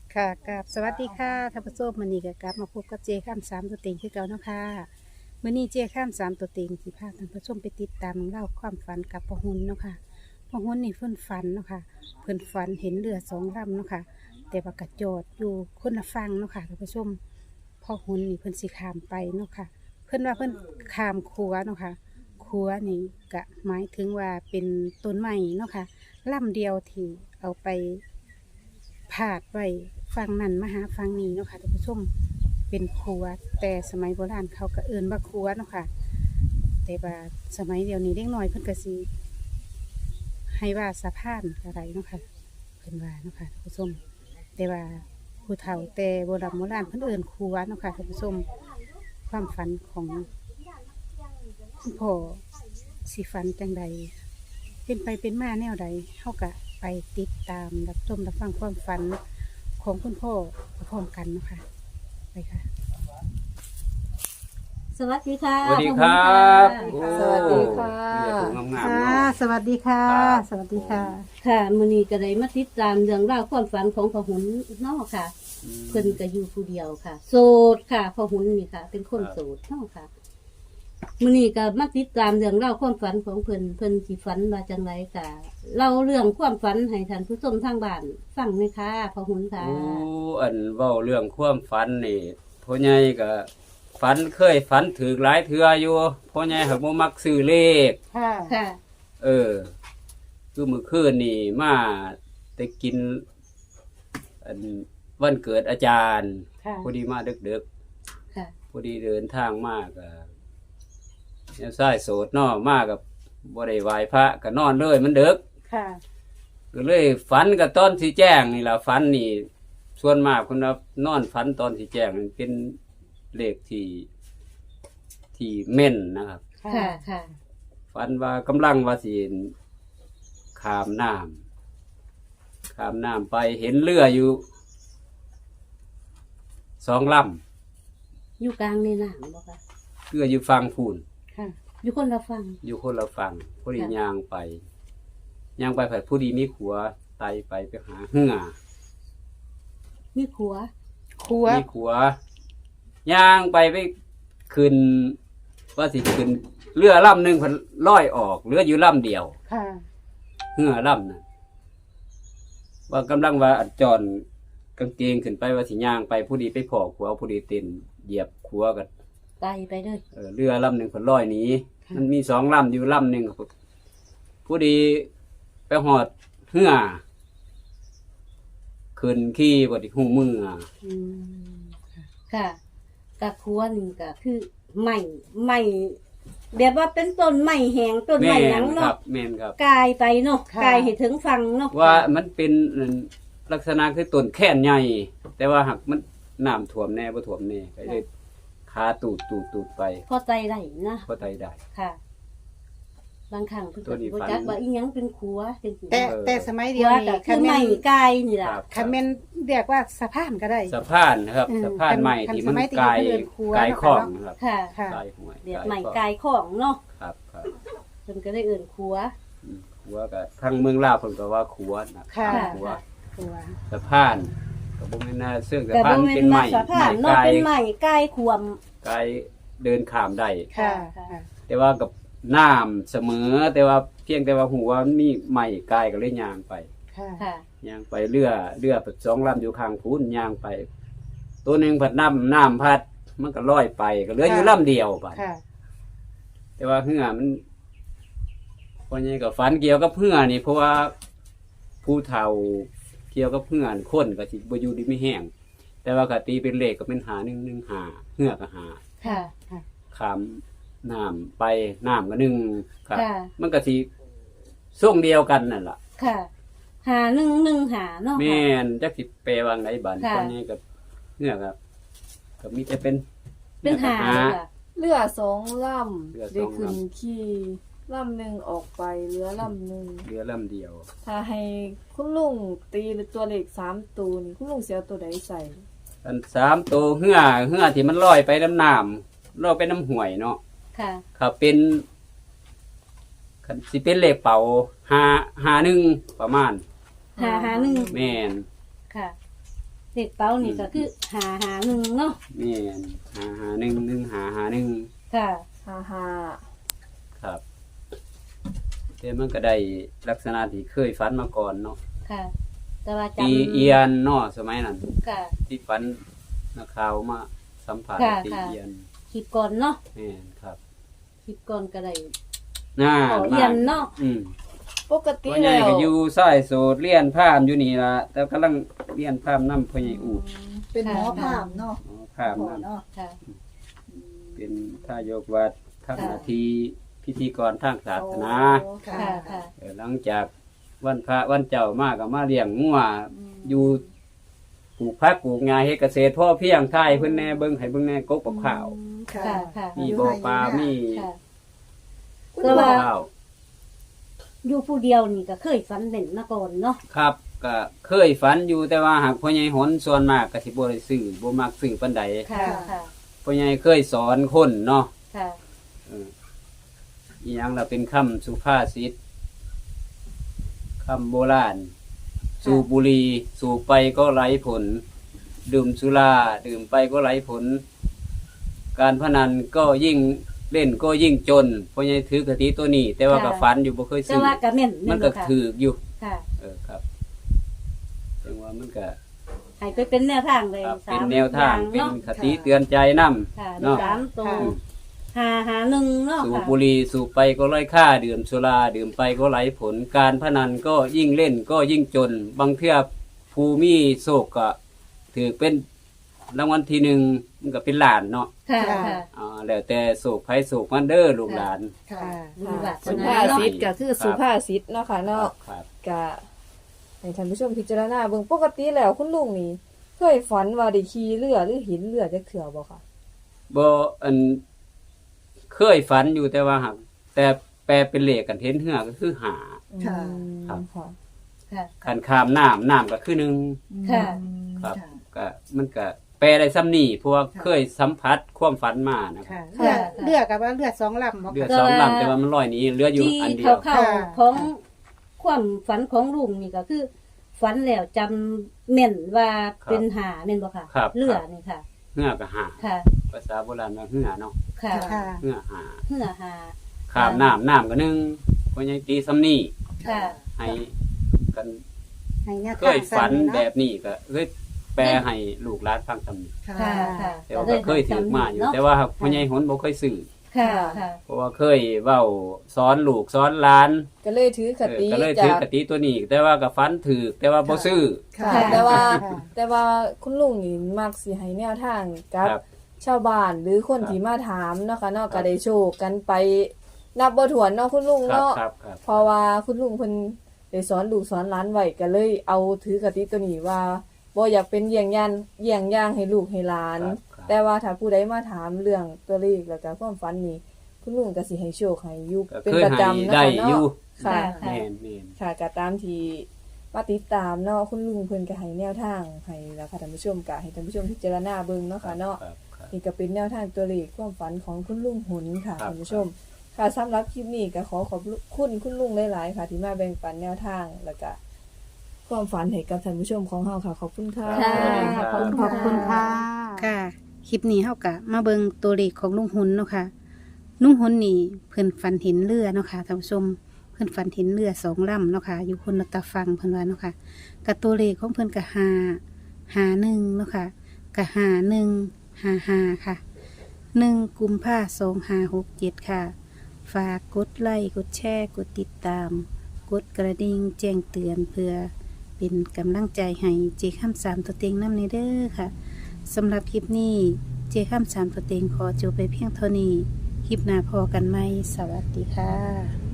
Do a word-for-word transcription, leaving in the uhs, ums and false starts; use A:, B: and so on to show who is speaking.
A: ค่ะกับสวัสดีค่ะท่านผู้ชมมื้อนี้ก็กลับมาพบกับเจข้ามสามตัวเต็งคือเก่าเนาะค่ะมื้อนี้เจข้ามสามตัวเต็งสิพาท่านผู้ชมไปติดตามเล่าความฝันกับพ่อหุ่นเนาะค่ะพ่อหุ่นนี่เพิ่นฝันเนาะค่ะเพิ่นฝันเห็นเรือสองลำเนาะค่ะแต่ว่ากระโจดอยู่คนละฝั่งเนาะค่ะท่านผู้ชมพ่อหุ่นนี่เพิ่นสิข้ามไปเนาะค่ะเพิ่นว่าเพิ่นข้ามขัวเนาะค่ะขัวนี่ก็หมายถึงว่าเป็นต้นไม้เนาะค่ะลำเดียวที่เอาไป ผาดไว้ฟังนั่นมาหาฟังนี้เนาะค่ะท่านผู้ชมเป็นครัวแต่สมัยโบราณเขาก็เอิ้นว่าครัวเนาะค่ะแต่ว่าสมัยเดียวนี้เด็กน้อยเพิ่นก็สิให้ว่าสะพานอะไรเนาะค่ะเพิ่นว่าเนาะค่ะท่านผู้ชมแต่ว่าผู้เฒ่าแต่โบราณโบราณเพิ่นเอิ้นครัวเนาะค่ะท่านผู้ชมความฝันของคุณพ่อสิฝันจังใดเป็นไปเป็นมาแนวใดเฮาก็ไปติดตามรับชมรับฟังความฝันของคุณพ่อพร้อมกันเนาะค่ะไปค่ะ
B: สวัสดีค่ะ
C: สวัสดีครับ
B: ขอบ
C: โอ้
B: ณ
A: สวัสดีค่ะ
C: เรียกผมงามๆ
A: ค่ะ
C: เนาะ
A: สวัสดีค่ะ
C: ครับ
A: สวัสดีค่ะ
B: ค่ะมื้อนี้ก็ได้มาติดตามเรื่องราวความฝันของพ่อหุนเนาะค่ะ เพิ่นก็อยู่ผู้เดียวค่ะ โสดค่ะพ่อหุนนี่ค่ะ เป็นคนโสดเนาะค่ะมื้อนี้ก็มาติดตามเรื่องราวความฝันของเพิ่นเพิ่นสิฝันว่าจังไดก็เล่าเรื่องความฝันให้ท่านผู้ชมทางบ้านฟังหน่อยค่ะพ่อหุนค่ะ
C: โอ้อันเว้าเรื่องความฝันนี่พ่อใหญ่ก็ฝันเคยฝันถือหลายเทื่ออยู่พ่อใหญ่หักบ่มักซื้อเลข
A: ค่ะ
B: ค่ะ
C: เออ คือมื้อคืนนี่มาได้กิน อันวันเกิดอาจารย์
A: ค่ะ
C: พอดีมาดึก
B: ค่ะ
C: ๆพอดีเดินทางมาก็แนวซ้ายโสดเนาะมากับบ่ได้ไหว้พระก็นอนเลยมันดึก
A: ค่ะ
C: ก็เลยฝันกับตอนที่แจ้งนี่แหละฝันนี่ส่วนมากคนว่านอนฝันตอนที่แจ้งนี่เป็นเลขที่ที่เม่นนะครับ
B: ค่ะค่ะ
C: ฝันว่ากำลังว่าสิขามน้ำขามน้ำไปเห็นเรืออยู่สองล
B: อยู่กลางในน้ำบ่ค่ะ
C: ำเรืออยู่ฝั่งพูน
A: ค่ะ
B: อยู่คนละฝั่ง
C: อยู่คนละฝั่งพอดี
B: ค่ะ
C: ย่างไปย่างไปผัดผู้ดีมีขัวไตไปไปหาเหือ
B: มีขัว
A: ครัว
C: มีขัวย่างไปไปขึ้นว่าสิขึ้นเรือลำหนึ่งพันลอยออกเรืออยู่ลำเดียว
A: ค่ะ
C: เหือลำนั้นว่ากำลังว่าอัดจอนกางเกงขึ้นไปว่าสิย่างไปผู้ดีไปพอขัวผู้ดีเต้นเหยียบขัวกัน
B: ไตไปเลย
C: เออเรือลำหนึ่งพันลอยหนี้มันมีสองลำอยู่ลำหนึ่งผู้ดีไปหอดเหือขึ้นขี้บไดหูมือ
A: อืม
B: ค่ะกะขัวนี่ก็คือใหม่ใหม่แบบว่าเป็นต้นใหม่แหงต้นให
C: แม่
B: ม่หยัง
C: นครั
B: เนาะ
C: บแม่นครับ
B: กายไปเนาะกายให้ถึงฟังเนาะ
C: ว่ามันเป็นลักษณะคือต้นแค่นใหญ่ แต่ว่าหักมันน้ำท่วมแน่บ่ท่วมแน่ก็เลยขาตูดตูดตูดไป
B: พอใจได้นะ
C: ก็ไตได้
B: ค่ะ บางครั้งเพิ่น
C: ตัว
B: ก็
C: นี้
B: บ่
C: ฝัน
B: จักว่าอีหยังเป็นขัวจังซี่
A: แต่
C: เออ
A: แต่สมัย
B: ขั
A: เดียว
B: ว
A: นี่
B: ก็คื
A: คั
B: อน ให
A: แม่
B: ม่
A: น
B: กายนี่ล่ะ
C: ครับ
A: คันแม่นเรียกว่าสะพานก็ได้
C: สะพานนะครับ
A: อืม
C: สะพานใหม่
A: คัน
C: ที่มัน
A: สมัยที่
C: กาย
A: เพิ่นเอิ้นครัว
C: กาย
A: เนาะ
C: ข้อง
A: เนาะ
C: นะครับ
B: ค่ะ
A: ค่ะ
C: กายห้วย
B: เรียก
C: กาย
B: ใหม่
C: ข้อง
B: กายของเนาะ
C: ครับครับ
B: เพิ่นก็ได้เอิ้นขัว
C: อืมขัวก็ทางเมืองลาวเพิ่นก็ว่าขัวนะ
A: ค่ะ
C: ขัว
A: ครัว
C: สะพานก็บ่แม่นน่าเสื่องสะ
B: ก็
C: พา
B: บ่
C: น
B: แม่
C: เป็น น
B: ว่า
C: ไม้
B: สะพาน
C: ไม้
B: เนาะ
C: กาย
B: เป็นใหม่กายขวม
C: กายเดินข้ามได้
A: ค่ะ
B: ค่ะ
A: ค่ะ
C: แต่ว่ากับน้ำเสมอ แต่ว่าเพียงแต่ว่าหัวมันมีไม้กายก็เลยย่างไป
A: ค่ะ
B: ค่ะ
C: ย่างไปเรือเรือสองลำอยู่ข้างพูนย่างไป ตัวหนึ่งพัดน้ำน้ำพัด มันก็ลอยไปก็เหลืออยู่ลำเดียวไป
A: ค่ะ
C: แต่ว่าเหือมันพอใหญ่กับฝันเกี่ยวกับเหือนี่เพราะว่าผู้เฒ่าเกี่ยวกับเหือนคนก็สิบ่อยู่ดีไม่แห้งแต่ว่ากตีเป็นเลขก็เป็นหาหนึ่งหนึ่งหาเหือก็หา
B: ค่ะ
C: ขามน้ำไปน้ำก็หนึ่งครับ
B: ค่ะ
C: มันก็สิส่งเดียวกันนั่นล่ะ
B: ค่ะ หาหนึ่งหนึ่งหาเนาะ
C: แม่นจักสิแปลว่าไงบัด
B: ค่ะ
C: ตอนนี้กับเนื้อครับก็มีแต่เป็น
B: เป็นหา
C: หา
B: เลยค่ะ
D: เรือสองล
C: เรือ
D: ำ
C: สองลำ
D: ได้ขึ้นขี่ลำหนึ่งออกไปเรือลำหนึ่ง
C: เรือลำเดียว
D: ถ้าให้คุณลุงตีตัวเลขสามตัวนี่คุณลุงเสียตัวใดใส่
C: อันสามตัวเหือเหือที่มันลอยไปน้ำน้ำลอยไปน้ำห่วยเนาะ
B: ค่ะ
C: ครับเป็นคันสิเป็นเลขเป่าหาหาหนึ่งประมาณ
B: หาหาหนึ่ง
C: แม่น
B: ค่ะเลขเป้านี่ก็คือหาหาหนึ่งเนาะ
C: แม่นหาหาหนึ่งหนึ่งหาหาหนึ่ง
B: ค่ะ
D: ฮ่าฮ่า
C: ครับแต่มันก็ได้ลักษณะที่เคยฝันมาก่อนเนาะ
B: ค่ะ แต่ว่า
C: ปี
B: จำ
C: เอียนเนาะสมัยนั้น
B: ค่ะ
C: ที่ฝันนักข่าวมาสัมผัส
B: ค่ะ
C: ปี
B: ค่ะ
C: เอียน
B: คลิปก่อนเนาะ
C: แม่นครับ
B: คลิปก่อนก็ได้
C: น่า
B: ขอเอียนเนาะ
C: อืม
D: ปกติ
C: พ่อใหญ่
D: แล้ว
C: ก็อยู่สายโสดเรียนพราหมณ์อยู่นี่ล่ะแต่กำลังเรียนพราหมณ์นำพ่อใหญ่อูด
E: เป็นหมอพราหมณ์เนาะ
C: อ๋อพราหมณ์
E: หมอ
C: นำ
E: เนาะ
B: ค่ะ
C: เป็นท่ายกวัดทำหน้าที่พิธีกรทางศาสนา
E: โอ้
B: ค่ะค่ะ
C: เออหลังจากวันพระวันเจ้ามาก็มาเลี้ยงงัวอยู่ปลูกผักปลูกงาเฮ็ดเกษตรพ่อเพียงทายเพิ่นแน่เบิ่งให้เบิ่งแน่กกกับข้าว
E: ค่ะ
B: ค่ะค่ะ
C: มีบ่อปลามี
B: ค่ะ
C: ปลูกข้าว
B: อยู่ผู้เดียวนี่ก็เคยฝันเด่นมาก่อนเนาะ
C: ครับก็เคยฝันอยู่แต่ว่าหากพ่อใหญ่หนส่วนมากก็สิบ่ได้ซื้อบ่มักซื้อปานใด
B: ค่ะค่ะ
C: พ่อใหญ่เคยสอนคนเนาะ
B: ค่ะ
C: เอออีหยังล่ะเป็นคำสุภาษิตคำโบราณ สูบบุหรี่สูบไปก็ไร้ผล ดื่มสุราดื่มไปก็ไร้ผล การพนันก็ยิ่งเล่นก็ยิ่งจนเพราะยังถือกะทิตัวนี้ แต่ว่าก็ฝันอยู่บ่เคย
B: แต่
C: ซื้อ
B: ว่าก็แม่น
C: มันก็
B: แค่ะ
C: ถืออยู่
B: ค่ะ
C: เออครับจังว่ามันก็
B: ให้ไปเป็นแนวทางเลย
C: ครับ
B: สา
C: เป็น
B: ม
C: แนวทาง
B: อย่
C: เป็น
B: เนาะ
C: คติเตือนใจนำ
B: ค่ะ
C: เนาะ
B: สามตัว
A: ค่ะ
B: หาหาหนึ่งเนาะ
C: สูบ
B: ค่ะ
C: บุหรี่สูบไปก็ไร้ค่าดื่มสุราดื่มไปก็ไร้ผล การพนันก็ยิ่งเล่นก็ยิ่งจน บางเทื่อภูมิโศกก็ถือเป็นรางวัลที่หนึ่งมันก็เป็นหลานเนาะ
B: ค่ะค่ะ
C: อ่าแล้วแต่โศกไผโศกมันเด้อลูกหลาน
E: ค่ะ
B: บุญวาส
D: สุ
B: นา
D: ภา
B: เนาะ
D: ษิตก็คือสุภาษิตเนาะค่ะเนาะ
C: ครับ
D: กะให้ท่านผู้ชมพิจารณาเบิ่งปกติแล้วคุณลุงนี่เคยฝันว่าได้ขี่เรือหรือหินเรือจักเทื่อบ่ค่ะ
C: บ่อันเคยฝันอยู่แต่ว่าหักแต่แปลเป็นเลขกันเห็นเหือก็คือหา
E: ค่ะ
C: ครับ
D: ค่ะ
B: ค่ะ
C: คันข้ามน้ำน้ำก็คือหนึ่ง
B: ค่ะ
C: ครับ
E: ค่ะ
C: ก็มันก็แปลได้ซ้ำนี่เพราะว่า
E: ค่ะ
C: เคยสัมผัสความฝันมานะ
A: ค่ะ
B: ค่ะ
A: เลือดเลือดกับว่าเลือดสองลำบ่
C: เรือ
A: ค่ะ
C: สองลำแต่ว่ามันลอยหนี้เรืออยู่
B: ที่
C: อันเดีย
B: เขา
C: ว
B: เข้า
A: ค่ะ
B: ของความฝันของลุงนี่ก็คือ ฝันแล้วจำแม่นว่าเป็นหาแม่นบ่ค่ะ
C: ครับ
B: เรือนี่ค่ะ
C: เหือก็หา
B: ค่ะ
C: ภาษาโบราณว่าเหือเนาะ
B: ค่ะ
A: ค่ะ
C: เหือหา
B: เหือหา
C: ข้ามน้ำน้ำก็หนึ่งเพราะยังตีซ้ำนี่
B: ค่ะ
C: ให้กัน
A: ให้แนว
C: เค
A: ทาง
C: ยฝัน
A: ซ้ำเาะ
C: แบบนี้ก็เคยแปลให้ลูกหลานฟังซ้ำนี่
E: ค่ะ
B: ค่ะค่ะ
C: แต่ว่าก็เคยถือมาอยู่ แต่ว่าพ่อใหญ่หนบ่เคยซื้อ
B: ค่ะค่ะ
C: เพราะว่าเคยเว้าสอนลูกสอนหลาน
D: ก็เลยถือค
C: เออ
D: ติ
C: ก็เลย
D: จา
C: ถือก กติตัวนี้ แต่ว่าก็ฟันถือแต่ว่าบ่ซื้อ
E: ค่ะ
D: ค่ะแต่ว่า
A: ค่ะ
D: แต่ว่าคุณลุงนี่มักสิให้แนวทางกับ
C: ครับ
D: ชาวบ้านหรือคน
C: ครับ
D: ที่มาถามเนาะค่ะเนาะ
C: ครับ
D: ก็ได้โชคกันไปนับบ่ถ้วนเนาะคุณลุง
C: ครับ
D: เนาะ
C: ครับครับ
D: เพราะว่าคุณลุงเพิ่นได้สอนลูกสอนหลานไว้ก็เลยเอาถือกติตัวนี้ว่าบ่อยากเป็นเยี่ยงยันเยี่ยงอย่างให้ลูกให้หลาน
C: ครับครับ
D: แต่ว่าถ้าผู้ใดมาถามเรื่องตัวเลขแล้วก็ความฝันนี่คุณลุงก็สิให้โชคให้อยู่
C: ก็
D: เป็น
C: เคย
D: ประ
C: ให้
D: จำเนาะ
C: ได้
D: ค่ะ
C: อยู่
D: เนาะค่ะ
B: ค่ะ
C: แม่นแม่น
D: ค่ะก็ตามที่มาติดตามเนาะคุณลุงเพิ่นก็ให้แนวทางให้แล้วค่ะท่านผู้ชมก็ให้ท่านผู้ชมพิจารณาเบิ่งเนาะค่ะเนาะ
C: ครับครับ
D: นี่ก็เป็นแนวทางตัวเลขความฝันของคุณลุงหุนค่ะ
C: ครับ
D: ท่านผู้ชม ค่ะสำหรับคลิปนี้ก็ขอขอบคุณคุณลุงหลายๆค่ะ ที่มาแบ่งปันแนวทางแล้วก็ความฝันให้กับท่านผู้ชมของเราค่ะ ขอบคุณค่ะ
B: ค่ะ
A: ขอบคุณขอบคุณค่ะ ค่ะ คลิปนี้เฮากะมาเบิงตัวเลขของลุงหุนเนาะค่ะ ลุงหุนนี่เพิ่นฝันเห็นเรือเนาะค่ะท่านผู้ชม เพิ่นฝันเห็นเรือสองลำเนาะค่ะ อยู่คนละตะฟังเพิ่นว่าเนาะค่ะกับตัวเลขของเพิ่นกะหาหาหนึ่งเนาะค่ะกะหาหนึ่งหาหาค่ะหนึ่งกุมภาสองหาหกเจ็ดค่ะ ฝากกดไลค์กดแชร์กดติดตาม กดกระดิ่งแจ้งเตือนเพื่อเป็นกำลังใจให้เจข้ามสามตัวเต็งน้ำในเด้อค่ะสำหรับคลิปนี้เจข้ามสามตัวเต็งขอจบไปเพียงเท่านี้ คลิปหน้าพอกันไหมสวัสดีค่ะ